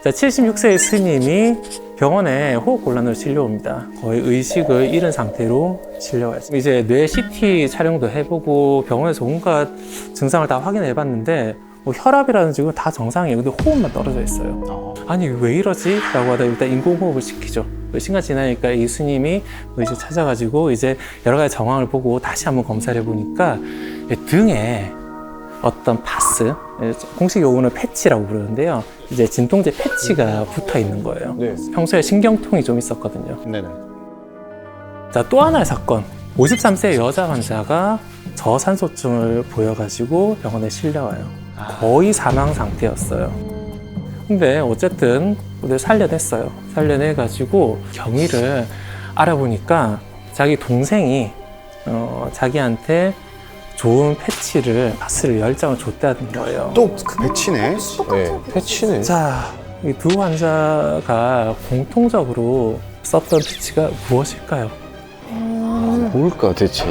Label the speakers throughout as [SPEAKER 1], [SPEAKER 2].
[SPEAKER 1] 자, 76세의 스님이 병원에 호흡곤란으로 실려옵니다. 거의 의식을 잃은 상태로 실려와요. 이제 뇌 CT 촬영도 해보고 병원에서 온갖 증상을 다 확인해봤는데 뭐 혈압이라는 지금 다 정상이에요. 근데 호흡만 떨어져 있어요. 아니 왜 이러지? 라고 하다 일단 인공호흡을 시키죠. 시간 지나니까 이 스님이 이제 찾아가지고 이제 여러 가지 정황을 보고 다시 한번 검사를 해보니까 등에 어떤 파스, 공식 용어는 패치라고 부르는데요. 이제 진통제 패치가 붙어 있는 거예요.
[SPEAKER 2] 네.
[SPEAKER 1] 평소에 신경통이 좀 있었거든요.
[SPEAKER 2] 네네.
[SPEAKER 1] 자, 또 하나의 사건. 53세 여자 환자가 저산소증을 보여가지고 병원에 실려와요. 거의 사망 상태였어요. 근데 어쨌든 살려냈어요. 살려내가지고 경위를 알아보니까 자기 동생이 자기한테 좋은 패치를, 파스를 10장을 줬다는 거예요.
[SPEAKER 2] 또 그 패치네. 네, 패치네.
[SPEAKER 1] 자, 이 두 환자가 공통적으로 썼던 패치가 무엇일까요?
[SPEAKER 2] 뭘까 대체?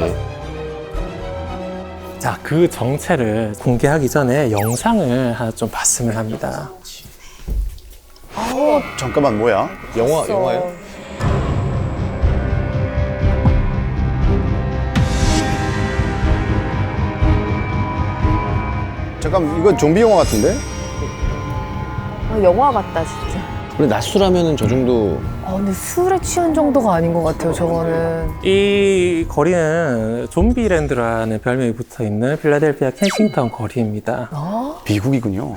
[SPEAKER 1] 자, 그 정체를 공개하기 전에 영상을 하나 좀 봤으면 합니다.
[SPEAKER 2] 잠깐만 뭐야? 영화요? 잠깐 이건 좀비 영화 같은데?
[SPEAKER 3] 영화 같다 진짜.
[SPEAKER 4] 원래 낮술하면은 저 정도.
[SPEAKER 3] 근데 술에 취한 정도가 아닌 것 같아요 저거는.
[SPEAKER 1] 이 거리는 좀비랜드라는 별명이 붙어 있는 필라델피아 켄싱턴 거리입니다.
[SPEAKER 2] 미국이군요.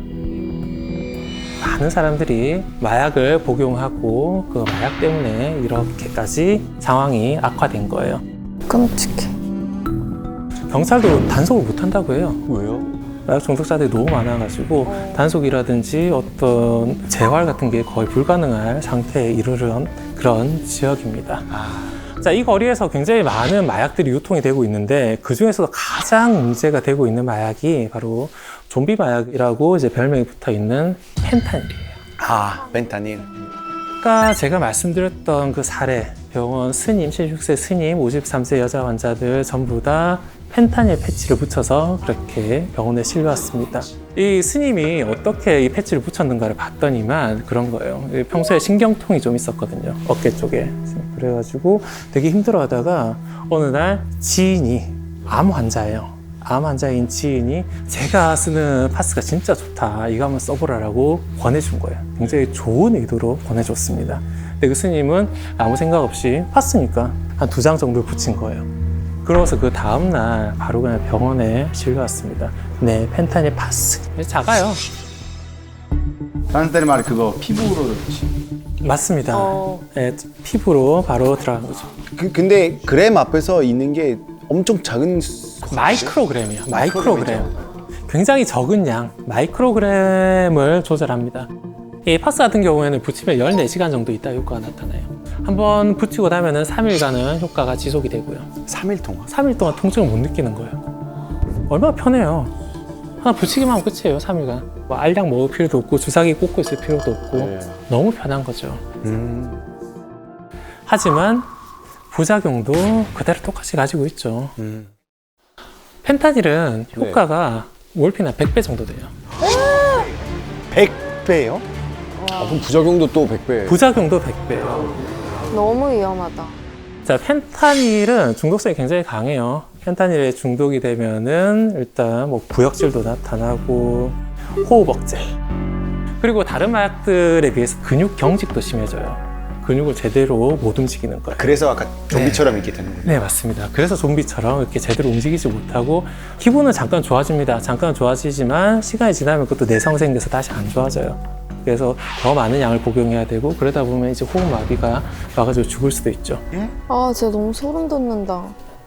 [SPEAKER 1] 많은 사람들이 마약을 복용하고 그 마약 때문에 이렇게까지 상황이 악화된 거예요.
[SPEAKER 3] 끔찍해.
[SPEAKER 1] 경찰도 단속을 못 한다고 해요.
[SPEAKER 2] 왜요?
[SPEAKER 1] 마약 중독자들이 너무 많아가지고 단속이라든지 어떤 재활 같은 게 거의 불가능할 상태에 이르는 그런 지역입니다. 자, 이 거리에서 굉장히 많은 마약들이 유통이 되고 있는데 그 중에서도 가장 문제가 되고 있는 마약이 바로 좀비 마약이라고 이제 별명이 붙어 있는 펜타닐이에요.
[SPEAKER 2] 펜타닐.
[SPEAKER 1] 아까 제가 말씀드렸던 그 사례, 병원 스님, 76세 스님, 53세 여자 환자들 전부 다 펜타닐 패치를 붙여서 그렇게 병원에 실려왔습니다. 이 스님이 어떻게 이 패치를 붙였는가를 봤더니만 그런 거예요. 평소에 신경통이 좀 있었거든요. 어깨 쪽에. 그래가지고 되게 힘들어하다가 어느 날 지인이 암 환자예요. 암 환자인 지인이 제가 쓰는 파스가 진짜 좋다. 이거 한번 써보라라고 권해준 거예요. 굉장히 좋은 의도로 권해줬습니다. 근데 그 스님은 아무 생각 없이 파스니까 한 2장 정도 붙인 거예요. 그러고서 그 다음날 바로 그냥 병원에 실려왔습니다. 네, 펜타닐 파스. 작아요.
[SPEAKER 2] 펜타닐 말이 그거 피부로.
[SPEAKER 1] 맞습니다. 네, 피부로 바로 들어간 거죠.
[SPEAKER 2] 근데 그램 앞에서 있는 게 엄청 작은
[SPEAKER 1] 마이크로그램이요. 마이크로그램. 굉장히 적은 양, 마이크로그램을 조절합니다. 이 파스 같은 경우에는 붙이면 14시간 정도 있다 효과가 나타나요. 한번 붙이고 나면은 3일간은 효과가 지속이 되고요.
[SPEAKER 2] 3일 동안?
[SPEAKER 1] 3일 동안 통증을 못 느끼는 거예요. 얼마나 편해요. 하나 붙이기만 하면 끝이에요, 3일간. 뭐 알약 먹을 필요도 없고 주사기 꽂고 있을 필요도 없고
[SPEAKER 2] 네.
[SPEAKER 1] 너무 편한 거죠. 하지만 부작용도 그대로 똑같이 가지고 있죠. 펜타닐은 효과가 몰핀 한 100배 정도 돼요.
[SPEAKER 2] 100배요?
[SPEAKER 4] 그럼 부작용도 또 100배.
[SPEAKER 1] 부작용도 100배예요.
[SPEAKER 3] 너무 위험하다.
[SPEAKER 1] 자, 펜타닐은 중독성이 굉장히 강해요. 펜타닐에 중독이 되면은 일단 뭐 구역질도 나타나고 호흡 억제. 그리고 다른 마약들에 비해서 근육 경직도 심해져요. 근육을 제대로 못 움직이는 거예요.
[SPEAKER 2] 그래서 아까 좀비처럼 이렇게 되는 거예요?
[SPEAKER 1] 네, 맞습니다. 그래서 좀비처럼 이렇게 제대로 움직이지 못하고 기분은 잠깐 좋아집니다. 잠깐 좋아지지만 시간이 지나면 그것도 내성생돼서 다시 안 좋아져요. 그래서 더 많은 양을 복용해야 되고 그러다 보면 이제 호흡마비가 와가지고 죽을 수도 있죠.
[SPEAKER 3] 진짜 너무 소름 돋는다.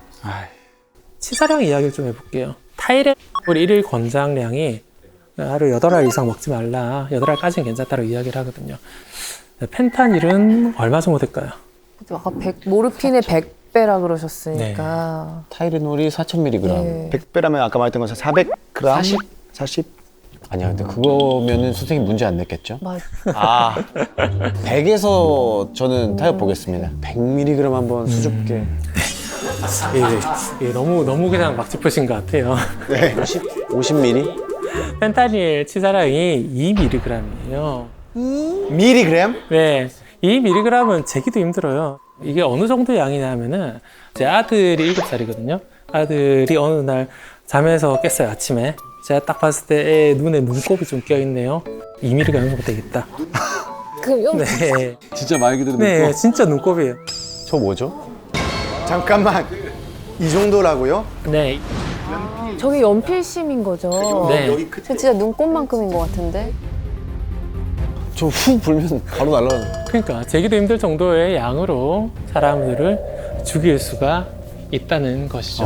[SPEAKER 1] 치사량 이야기를 좀 해볼게요. 타이레놀 1일 권장량이 하루 8알 이상 먹지 말라. 8알까지는 괜찮다고 이야기를 하거든요. 펜타닐은 얼마 정도 될까요?
[SPEAKER 3] 아까 모르핀의 100배라 그러셨으니까.
[SPEAKER 4] 타이레놀이 4,000mg.
[SPEAKER 3] 네.
[SPEAKER 2] 100배라면 아까 말했던 것은 400g? 40?
[SPEAKER 4] 아니야, 근데 그거면은 선생님 문제 안 냈겠죠?
[SPEAKER 3] 맞아.
[SPEAKER 4] 100에서 저는 타협 보겠습니다. 100mg 한번 수줍게.
[SPEAKER 1] 너무 그냥 막 짚으신 것 같아요.
[SPEAKER 2] 네.
[SPEAKER 4] 50mg?
[SPEAKER 1] 펜타닐 치사량이 2mg이에요.
[SPEAKER 2] 미리그램?
[SPEAKER 1] 네, 2mg은 재기도 힘들어요. 이게 어느 정도 양이냐면은 제 아들이 7살이거든요. 아들이 어느 날 잠에서 깼어요, 아침에. 제가 딱 봤을 때 애 눈에 눈곱이 좀 껴있네요. 2mg 정도 되겠다.
[SPEAKER 3] 그럼
[SPEAKER 1] 네,
[SPEAKER 4] 진짜 말 그대로
[SPEAKER 1] 네, 진짜 눈곱이에요.
[SPEAKER 4] 저 뭐죠?
[SPEAKER 2] 잠깐만. 이 정도라고요?
[SPEAKER 1] 네,
[SPEAKER 3] 저게 연필심인 거죠?
[SPEAKER 1] 네.
[SPEAKER 3] 저 진짜 눈꽃만큼인 것 같은데?
[SPEAKER 4] 저 후 불면 바로 날아가는.
[SPEAKER 1] 그러니까 재기도 힘들 정도의 양으로 사람들을 죽일 수가 있다는 것이죠.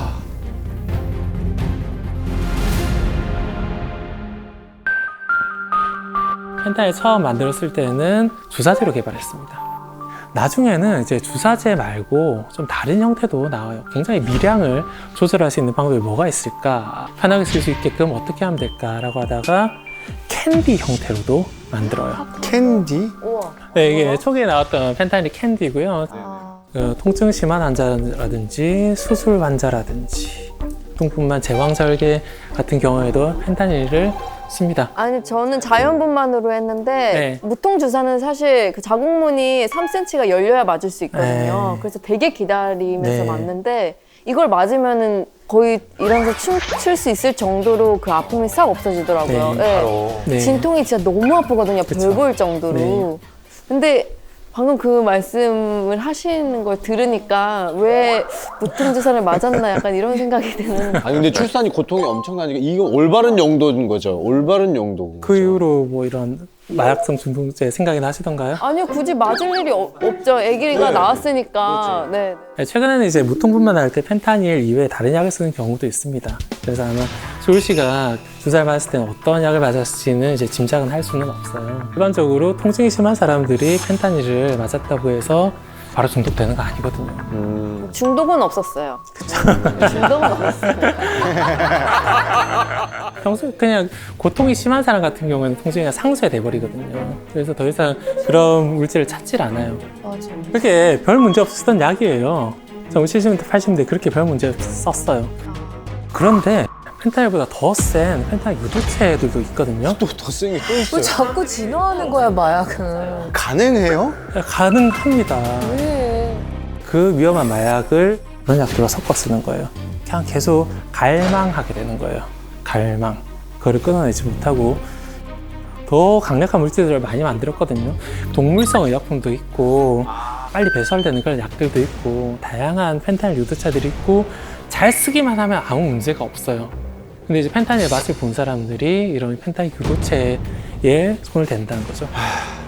[SPEAKER 1] 펜타닐 처음 만들었을 때는 주사제로 개발했습니다. 나중에는 이제 주사제 말고 좀 다른 형태도 나와요. 굉장히 미량을 조절할 수 있는 방법이 뭐가 있을까? 편하게 쓸 수 있게끔 어떻게 하면 될까라고 하다가 캔디 형태로도 만들어요.
[SPEAKER 2] 캔디?
[SPEAKER 3] 우와.
[SPEAKER 1] 네, 이게 초기에 나왔던 펜타닐 캔디고요. 통증 심한 환자라든지 수술 환자라든지 통풍만 제왕절개 같은 경우에도 펜타닐을 씁니다.
[SPEAKER 5] 아니 저는 자연분만으로 했는데
[SPEAKER 1] 네.
[SPEAKER 5] 무통주사는 사실 그 자국문이 3cm가 열려야 맞을 수 있거든요.
[SPEAKER 1] 네.
[SPEAKER 5] 그래서 되게 기다리면서
[SPEAKER 1] 네.
[SPEAKER 5] 맞는데 이걸 맞으면은 거의 일어나서 춤출 수 있을 정도로 그 아픔이 싹 없어지더라고요.
[SPEAKER 1] 네,
[SPEAKER 5] 네.
[SPEAKER 1] 네.
[SPEAKER 5] 진통이 진짜 너무 아프거든요.
[SPEAKER 1] 그쵸.
[SPEAKER 5] 별 볼 정도로.
[SPEAKER 1] 네.
[SPEAKER 5] 근데 방금 그 말씀을 하시는 걸 들으니까 왜 무통주사를 맞았나 약간 이런 생각이 드는.
[SPEAKER 4] 아니 근데 출산이 고통이 엄청나니까 이거 올바른 용도인 거죠. 올바른 용도.
[SPEAKER 1] 그 이후로 뭐 이런 마약성 중독제 생각이 나시던가요?
[SPEAKER 5] 아니요, 굳이 맞을 일이 없죠. 아기가 나왔으니까. 네.
[SPEAKER 1] 네, 최근에는 이제 무통분만 할 때 펜타닐 이외에 다른 약을 쓰는 경우도 있습니다. 그래서 아마 조울 씨가 주사를 맞았을 때는 어떤 약을 맞았을지는 이제 짐작은 할 수는 없어요. 일반적으로 통증이 심한 사람들이 펜타닐을 맞았다고 해서 바로 중독되는 거 아니거든요.
[SPEAKER 5] 중독은 없었어요. 중독은 없었어요.
[SPEAKER 1] 평소에 그냥 고통이 심한 사람 같은 경우에는 통증이 그냥 상쇄돼 버리거든요. 그래서 더 이상 그런 물질을 찾질 않아요.
[SPEAKER 3] 맞아.
[SPEAKER 1] 그게 별 문제 없었던 약이에요. 저 70년대, 80년대 그렇게 별 문제 없었어요. 그런데 펜타닐보다 더 센 펜타닐 유도체들도 있거든요.
[SPEAKER 4] 또더 센 게 또
[SPEAKER 3] 왜
[SPEAKER 4] 있어요.
[SPEAKER 3] 자꾸 진화하는 거야, 마약은?
[SPEAKER 2] 가능해요?
[SPEAKER 1] 가능합니다.
[SPEAKER 3] 왜?
[SPEAKER 1] 그 위험한 마약을 그런 약들과 섞어 쓰는 거예요. 그냥 계속 갈망하게 되는 거예요. 갈망. 그거를 끊어내지 못하고 더 강력한 물질들을 많이 만들었거든요. 동물성 의약품도 있고 빨리 배설되는 그런 약들도 있고 다양한 펜타닐 유도차들이 있고 잘 쓰기만 하면 아무 문제가 없어요. 근데 이제 펜타닐 맛을 본 사람들이 이런 펜타닐 유도체에 손을 댄다는 거죠.